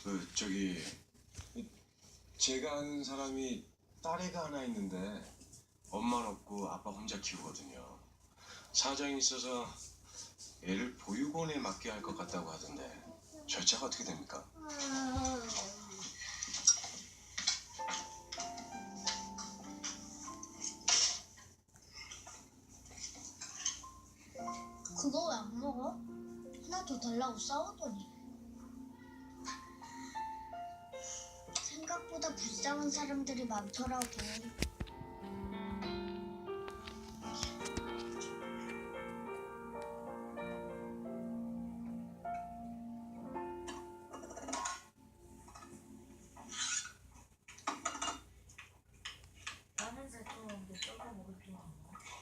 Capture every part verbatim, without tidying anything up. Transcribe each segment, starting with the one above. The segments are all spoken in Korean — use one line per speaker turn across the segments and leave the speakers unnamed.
그 저기 제가 아는 사람이 딸애가 하나 있는데 엄마는 없고 아빠 혼자 키우거든요. 사정이 있어서 애를 보육원에 맡겨야 할 것 같다고 하던데 절차가 어떻게 됩니까?
그거 왜 안 먹어? 하나 더 달라고 싸우더니. 생각보다 불쌍한 사람들이 많더라고.
나는 새콤한데 저거 먹을 줄 알아.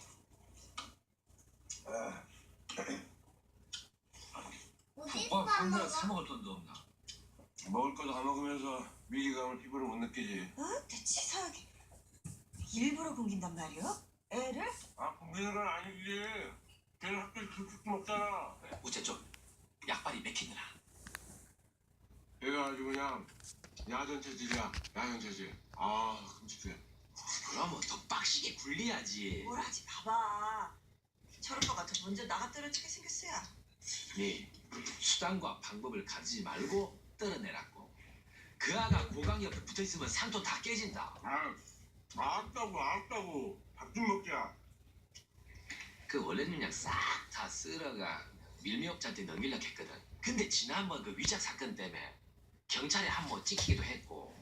어디서
오빠
안
콜라
먹어?
사 먹을 돈도 없나?
먹을 거 다 먹으면서 위기감을 피부로 못 느끼지.
어? 치사하게 일부러 굶긴단 말이야? 애를?
아 굶기는 건 아니지. 걔는 학교에 급식 먹잖아.
우째 좀 약발이 맥히느라.
얘가 아주 그냥 야전 체질이야. 야전 체질. 아 끔찍해.
그러면 더 빡시게 굴려야지.
뭘 하지 봐봐. 저런 거 같아 먼저 나가 떨어지게 생겼어야.
네 수단과 방법을 가지지 말고 떨어내라고. 그 아가 고강 옆에 붙어있으면 산도 다 깨진다.
아 알았다고 알았다고. 밥 좀 먹자.
그 원래는 그냥 싹 다 쓸어가 밀미업자한테 넘기려고 했거든. 근데 지난번 그 위작 사건 때문에 경찰에 한 번 찍히기도 했고.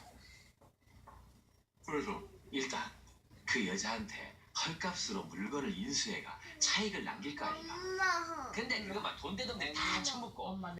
그래서
일단 그 여자한테 헐값으로 물건을 인수해가 차익을 남길 거 아니가.
엄마.
근데 그거 막 돈 되던 데다 처먹고
엄마